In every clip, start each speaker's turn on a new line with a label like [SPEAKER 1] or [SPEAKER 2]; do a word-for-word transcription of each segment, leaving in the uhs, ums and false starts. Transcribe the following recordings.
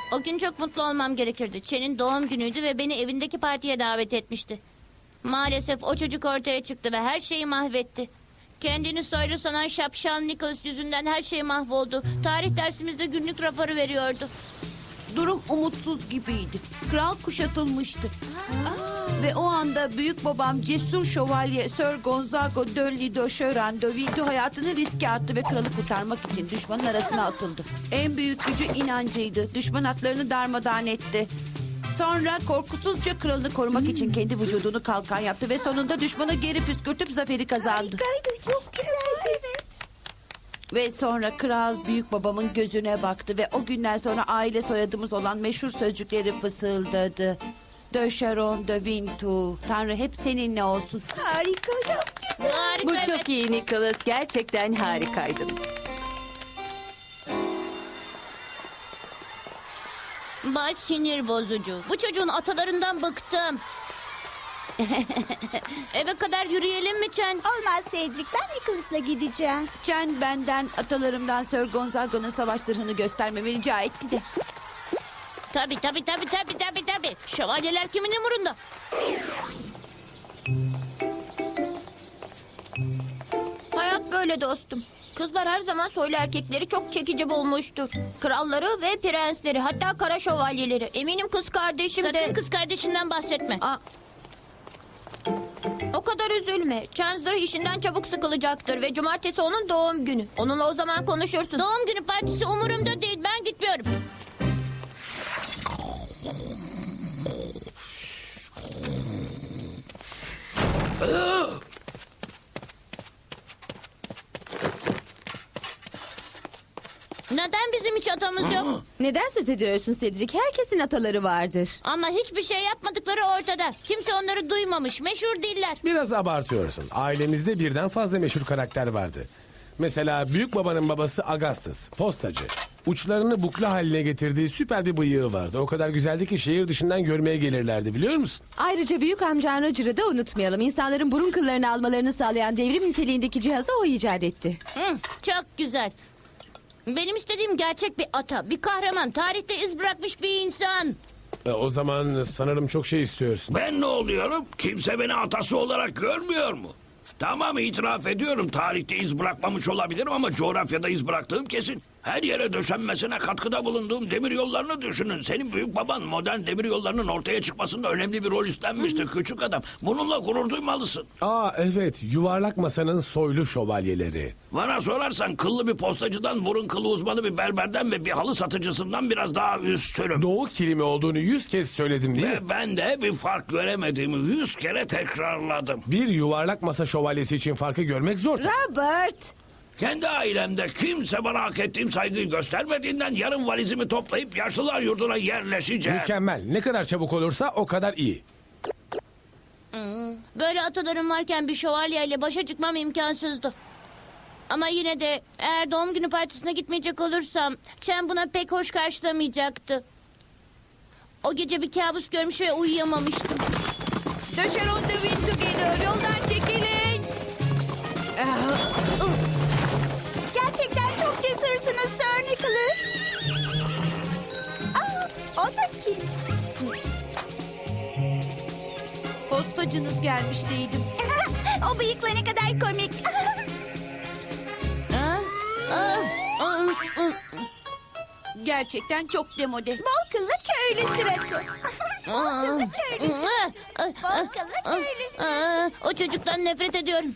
[SPEAKER 1] O gün çok mutlu olmam gerekirdi. Chen'in doğum günüydü ve beni evindeki partiye davet etmişti. Maalesef o çocuk ortaya çıktı ve her şeyi mahvetti. Kendini soylu sanan şapşal Nicholas yüzünden her şey mahvoldu. Tarih dersimizde günlük raporu veriyordu.
[SPEAKER 2] Durum umutsuz gibiydi. Kral kuşatılmıştı. Ve o anda büyük babam cesur şövalye Sir Gonzago de Lido Şören de Vildo hayatını riske attı ve kralı kurtarmak için düşmanın arasına atıldı. En büyük gücü inancıydı. Düşman atlarını darmadağın etti. Sonra korkusuzca kralını korumak için kendi vücudunu kalkan yaptı ve sonunda düşmanı geri püskürtüp zaferi kazandı.
[SPEAKER 3] Harikaydı, çok güzeldi. Evet.
[SPEAKER 2] Ve sonra kral büyük babamın gözüne baktı ve o günden sonra aile soyadımız olan meşhur sözcükleri fısıldadı. De Charon de Vintou. Tanrı hep seninle olsun.
[SPEAKER 3] Harika, çok güzel.
[SPEAKER 1] Harika,
[SPEAKER 4] Bu
[SPEAKER 1] evet.
[SPEAKER 4] çok iyi Nicholas. Gerçekten harikaydın.
[SPEAKER 1] Baş sinir bozucu. Bu çocuğun atalarından bıktım. Eve kadar yürüyelim mi Chen?
[SPEAKER 3] Olmaz Cedric, ben Nicholas'la gideceğim.
[SPEAKER 2] Chen benden atalarımdan Sir Gonzago'nun savaş zırhını göstermemi rica etti de.
[SPEAKER 1] Tabii tabii tabii tabii tabii tabii. Şövalyeler kimin umurunda?
[SPEAKER 5] Hayat böyle dostum. Kızlar her zaman soylu erkekleri çok çekici bulmuştur. Kralları ve prensleri, hatta kara şövalyeleri. Eminim kız kardeşim de...
[SPEAKER 1] Sakın kız kardeşinden bahsetme.
[SPEAKER 5] Aa, o kadar üzülme. Chandler işinden çabuk sıkılacaktır ve cumartesi onun doğum günü. Onunla o zaman konuşursun.
[SPEAKER 1] Doğum günü partisi umurumda değil. Ben gitmiyorum. Neden bizim hiç atamız yok?
[SPEAKER 4] Neden söz ediyorsun Cedric? Herkesin ataları vardır.
[SPEAKER 1] Ama hiçbir şey yapmadıkları ortada. Kimse onları duymamış. Meşhur değiller.
[SPEAKER 6] Biraz abartıyorsun. Ailemizde birden fazla meşhur karakter vardı. Mesela büyük babanın babası Augustus, postacı. Uçlarını bukla haline getirdiği süper bir bıyığı vardı. O kadar güzeldi ki şehir dışından görmeye gelirlerdi, biliyor musun?
[SPEAKER 4] Ayrıca büyük amcan Roger'ı da unutmayalım. İnsanların burun kıllarını almalarını sağlayan devrim niteliğindeki cihazı o icat etti.
[SPEAKER 1] Hı, çok güzel. Benim istediğim gerçek bir ata, bir kahraman, tarihte iz bırakmış bir insan.
[SPEAKER 6] E, o zaman sanırım çok şey istiyorsun.
[SPEAKER 7] Ben ne oluyorum? Kimse beni atası olarak görmüyor mu? Tamam, itiraf ediyorum, tarihte iz bırakmamış olabilirim ama coğrafyada iz bıraktığım kesin. Her yere döşenmesine katkıda bulunduğum demir yollarını düşünün. Senin büyük baban modern demir yollarının ortaya çıkmasında önemli bir rol üstlenmiştir küçük adam. Bununla gurur duymalısın.
[SPEAKER 6] Aa evet, yuvarlak masanın soylu şövalyeleri.
[SPEAKER 7] Bana sorarsan kıllı bir postacıdan, burun kılı uzmanı bir berberden ve bir halı satıcısından biraz daha üstünüm.
[SPEAKER 6] Doğu kilimi olduğunu yüz kez söyledim değil mi?
[SPEAKER 7] Ve ben de bir fark göremediğimi yüz kere tekrarladım.
[SPEAKER 6] Bir yuvarlak masa şövalyesi için farkı görmek zor.
[SPEAKER 4] Robert!
[SPEAKER 7] Kendi ailemde kimse bana hak ettiğim saygıyı göstermediğinden yarın valizimi toplayıp yaşlılar yurduna yerleşeceğim.
[SPEAKER 6] Mükemmel. Ne kadar çabuk olursa o kadar iyi.
[SPEAKER 1] Böyle atalarım varken bir şövalyeyle başa çıkmam imkansızdı. Ama yine de eğer doğum günü partisine gitmeyecek olursam Chen buna pek hoş karşılamayacaktı. O gece bir kabus görmüş ve uyuyamamıştım.
[SPEAKER 2] De Charon de Vintou geliyor. Yoldan çekilin.
[SPEAKER 3] Gerçekten çok cesursunuz Sir Nicholas. Aa, o da kim?
[SPEAKER 2] Postacınız gelmiş değildim.
[SPEAKER 3] O bıyıkla ne kadar komik.
[SPEAKER 1] Ha? Aa, aa, aa.
[SPEAKER 2] Gerçekten çok demode.
[SPEAKER 3] Bol kıllı köylü suratı.
[SPEAKER 1] Aa,
[SPEAKER 3] Bol kıllı köylüsü.
[SPEAKER 1] aa, aa,
[SPEAKER 3] Bol kıllı köylüsü.
[SPEAKER 1] aa, o çocuktan nefret ediyorum.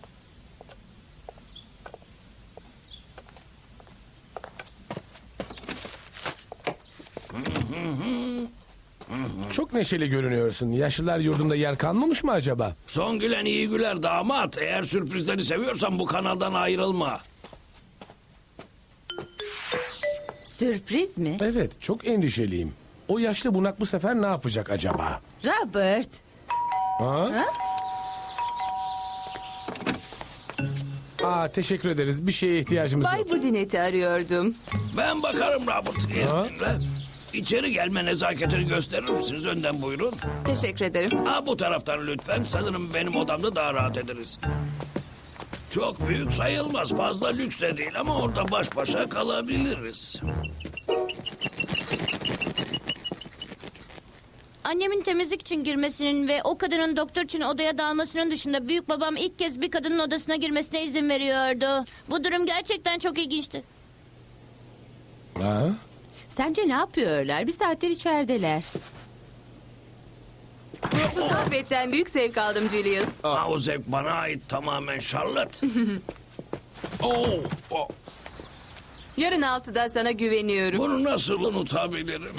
[SPEAKER 6] Çok neşeli görünüyorsun. Yaşlılar yurdunda yer kalmamış mı acaba?
[SPEAKER 7] Son gülen iyi güler damat. Eğer sürprizleri seviyorsan bu kanaldan ayrılma.
[SPEAKER 4] Sürpriz mi?
[SPEAKER 6] Evet, çok endişeliyim. O yaşlı bunak bu sefer ne yapacak acaba?
[SPEAKER 4] Robert!
[SPEAKER 6] Ha? Aa, teşekkür ederiz. Bir şeye ihtiyacımız yok.
[SPEAKER 4] Bay Budinet'i arıyordum.
[SPEAKER 7] Ben bakarım Robert. İzninle. İçeri gelme nezaketini gösterir misiniz? Önden buyurun.
[SPEAKER 4] Teşekkür ederim.
[SPEAKER 7] Ha, bu taraftan lütfen. Sanırım benim odamda daha rahat ederiz. Çok büyük sayılmaz. Fazla lüks de değil ama orada baş başa kalabiliriz.
[SPEAKER 1] Annemin temizlik için girmesinin ve o kadının doktor için odaya dalmasının dışında büyük babam ilk kez bir kadının odasına girmesine izin veriyordu. Bu durum gerçekten çok ilginçti.
[SPEAKER 6] Ha?
[SPEAKER 4] Sence ne yapıyorlar? Bir saattir içerideler. Bu sohbetten büyük zevk aldım Julius.
[SPEAKER 7] Ha, o zevk bana ait tamamen Charlotte. Oo, o-
[SPEAKER 4] Yarın altıda sana güveniyorum.
[SPEAKER 7] bunu nasıl unutabilirim?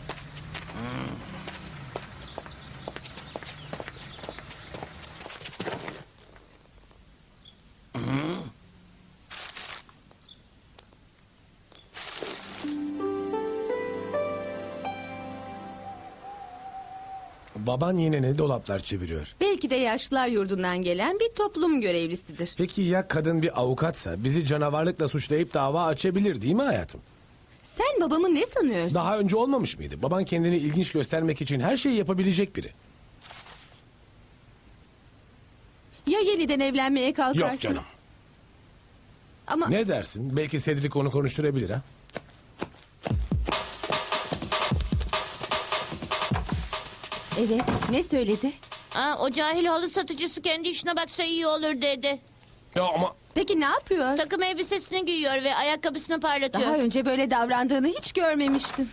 [SPEAKER 6] Baban yine ne dolaplar çeviriyor?
[SPEAKER 4] Belki de yaşlılar yurdundan gelen bir toplum görevlisidir.
[SPEAKER 6] Peki ya kadın bir avukatsa bizi canavarlıkla suçlayıp dava açabilir değil mi hayatım?
[SPEAKER 4] Sen babamı ne sanıyorsun?
[SPEAKER 6] Daha önce olmamış mıydı? Baban kendini ilginç göstermek için her şeyi yapabilecek biri.
[SPEAKER 4] Ya yeniden evlenmeye kalkarsın?
[SPEAKER 6] Yok canım.
[SPEAKER 4] Ama
[SPEAKER 6] Ne dersin? Belki Cedric onu konuşturabilir ha?
[SPEAKER 4] evet, ne söyledi?
[SPEAKER 1] Aa, o cahil halı satıcısı kendi işine baksa iyi olur dedi.
[SPEAKER 6] Ya ama
[SPEAKER 4] Peki ne yapıyor?
[SPEAKER 1] Takım elbisesini giyiyor ve ayakkabısını parlatıyor.
[SPEAKER 4] Daha önce böyle davrandığını hiç görmemiştim.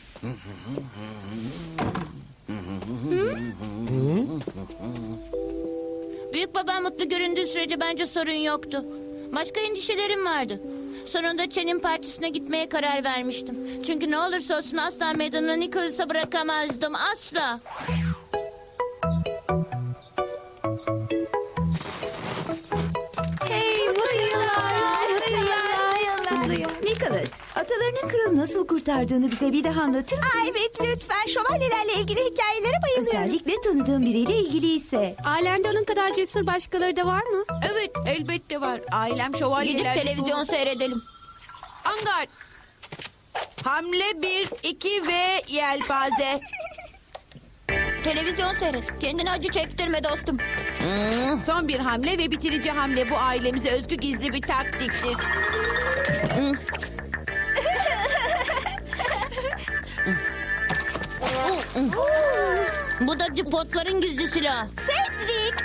[SPEAKER 1] Büyük babam mutlu göründüğü sürece bence sorun yoktu. Başka endişelerim vardı. Sonunda Chen'in partisine gitmeye karar vermiştim. Çünkü ne olursa olsun asla meydanını Nicholas'a bırakamazdım. Asla.
[SPEAKER 4] Hey, mutlu yıllar, mutlu yıllar, mutlu yıllar.
[SPEAKER 8] Nicholas, atalarının kralı nasıl kurtardığını bize bir daha anlatır mısın?
[SPEAKER 3] Aa, evet lütfen şövalyelerle ilgili hikayelere bayılıyorum.
[SPEAKER 8] Özellikle tanıdığın biriyle ilgiliyse.
[SPEAKER 4] Ailende onun kadar cesur başkaları da var mı?
[SPEAKER 2] Evet, elbette var. Ailem
[SPEAKER 5] Gidip
[SPEAKER 2] şövalyeler...
[SPEAKER 5] televizyon seyredelim.
[SPEAKER 2] Angard. Hamle bir, iki ve yelpaze.
[SPEAKER 5] Televizyon seyret. Kendine acı çektirme dostum.
[SPEAKER 2] Son bir hamle ve bitirici hamle bu ailemize özgü gizli bir taktiktir.
[SPEAKER 1] Bu da dipotların gizli silahı.
[SPEAKER 3] Cedric.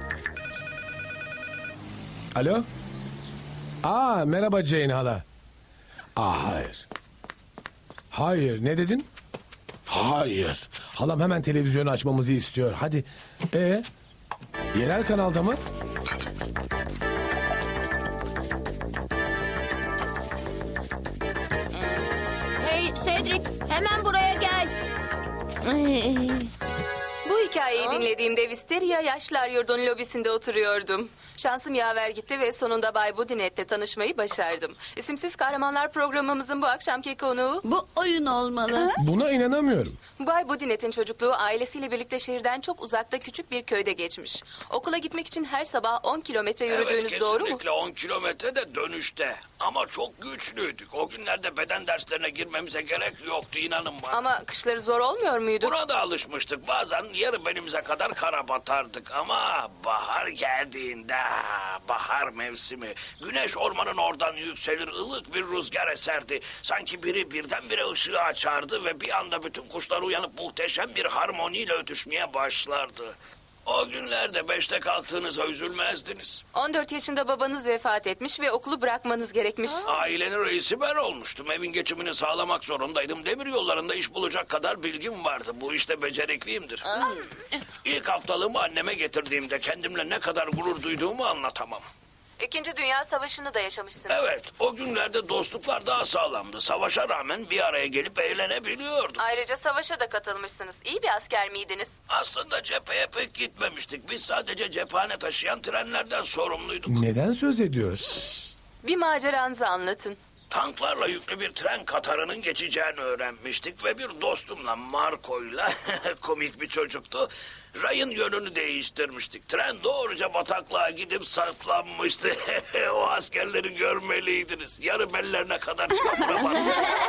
[SPEAKER 6] alo? Aa merhaba Jane hala. Aa hayır. Hayır ne dedin? Hayır. Halam hemen televizyonu açmamızı istiyor. Hadi. Ee? Yerel kanalda mı?
[SPEAKER 5] Hey Cedric, hemen buraya gel.
[SPEAKER 4] Bu hikayeyi dinlediğimde Wisteria Yaşlılar Yurdu'nun lobisinde oturuyordum. Şansım yaver gitti ve sonunda Bay Budinet'le tanışmayı başardım. İsimsiz Kahramanlar programımızın bu akşamki konuğu
[SPEAKER 2] Bu oyun olmalı.
[SPEAKER 6] Buna inanamıyorum.
[SPEAKER 4] Bay Budinet'in çocukluğu ailesiyle birlikte şehirden çok uzakta küçük bir köyde geçmiş. Okula gitmek için her sabah on kilometre yürüdüğünüz
[SPEAKER 7] Evet,
[SPEAKER 4] doğru mu?
[SPEAKER 7] kesinlikle on kilometre de dönüşte. Ama çok güçlüydük. O günlerde beden derslerine girmemize gerek yoktu, inanın bana.
[SPEAKER 4] Ama kışları zor olmuyor muydu?
[SPEAKER 7] Buna da alışmıştık. Bazen yarı belimize kadar kara batardık. Ama bahar geldiğinde, bahar mevsimi, güneş ormanın oradan yükselir, ılık bir rüzgar eserdi. Sanki biri birdenbire ışığı açardı ve bir anda bütün kuşlar uyanıp muhteşem bir harmoniyle ötüşmeye başlardı. O günlerde beşte kalktığınıza üzülmezdiniz.
[SPEAKER 4] on dört yaşında babanız vefat etmiş ve okulu bırakmanız gerekmiş.
[SPEAKER 7] Ailenin reisi ben olmuştum. Evin geçimini sağlamak zorundaydım. Demir yollarında iş bulacak kadar bilgim vardı. Bu işte becerikliyimdir. İlk haftalığımı anneme getirdiğimde kendimle ne kadar gurur duyduğumu anlatamam.
[SPEAKER 4] İkinci Dünya Savaşı'nı da yaşamışsınız.
[SPEAKER 7] Evet, o günlerde dostluklar daha sağlamdı. Savaşa rağmen bir araya gelip eğlenebiliyorduk.
[SPEAKER 4] Ayrıca savaşa da katılmışsınız. İyi bir asker miydiniz?
[SPEAKER 7] Aslında cepheye pek gitmemiştik. Biz sadece cephane taşıyan trenlerden sorumluyduk.
[SPEAKER 6] Neden söz ediyor?
[SPEAKER 4] Bir maceranızı anlatın.
[SPEAKER 7] Tanklarla yüklü bir tren katarının geçeceğini öğrenmiştik ve bir dostumla Marco'yla komik bir çocuktu. Rayın yönünü değiştirmiştik. Tren doğruca bataklığa gidip saplanmıştı. O askerleri görmeliydiniz. Yarı bellerine kadar çamura battı.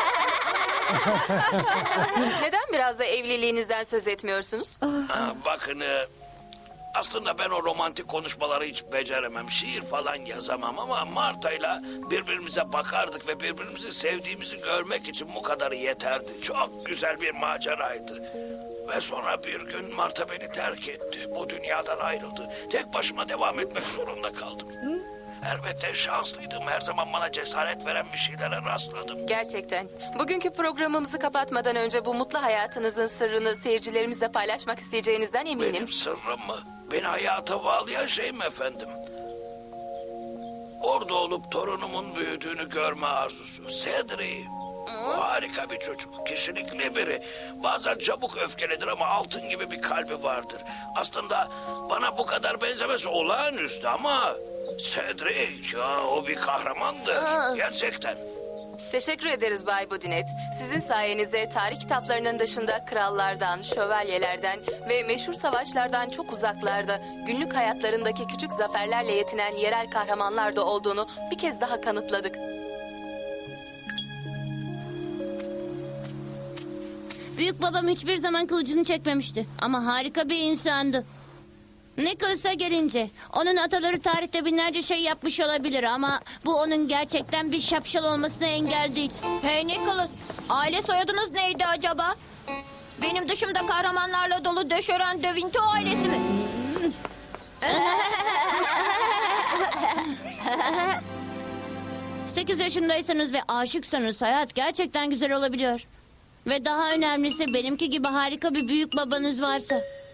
[SPEAKER 4] Neden biraz da evliliğinizden söz etmiyorsunuz?
[SPEAKER 7] Ha, bakın e, aslında ben o romantik konuşmaları hiç beceremem. Şiir falan yazamam ama Marta'yla birbirimize bakardık ve birbirimizi sevdiğimizi görmek için bu kadarı yeterdi. Çok güzel bir maceraydı. Ve sonra bir gün Marta beni terk etti. Bu dünyadan ayrıldı. Tek başıma devam etmek zorunda kaldım. Elbette şanslıydım. Her zaman bana cesaret veren bir şeylere rastladım.
[SPEAKER 4] Gerçekten. Bugünkü programımızı kapatmadan önce bu mutlu hayatınızın sırrını seyircilerimizle paylaşmak isteyeceğinizden eminim.
[SPEAKER 7] Benim sırrım mı? Beni hayata bağlayan şey mi efendim? Orada olup torunumun büyüdüğünü görme arzusu. Cedric. O harika bir çocuk. Kişilikli biri. Bazen çabuk öfkelidir ama altın gibi bir kalbi vardır. Aslında bana bu kadar benzemesi olağanüstü ama... Cedric, ya, o bir kahramandır. Gerçekten.
[SPEAKER 4] Teşekkür ederiz Bay Budinet. Sizin sayenizde tarih kitaplarının dışında krallardan, şövalyelerden ve meşhur savaşlardan çok uzaklarda günlük hayatlarındaki küçük zaferlerle yetinen yerel kahramanlar da olduğunu bir kez daha kanıtladık.
[SPEAKER 1] Büyük babam hiçbir zaman kılıcını çekmemişti. Ama harika bir insandı. Nicholas'a gelince, onun ataları tarihte binlerce şey yapmış olabilir ama bu onun gerçekten bir şapşal olmasına engel değil.
[SPEAKER 5] Hey Nicholas, aile soyadınız neydi acaba? Benim dışımda kahramanlarla dolu Döşören de Vinto ailesi mi?
[SPEAKER 1] Sekiz yaşındaysanız ve aşıksanız hayat gerçekten güzel olabiliyor. Ve daha önemlisi benimki gibi harika bir büyük babanız varsa.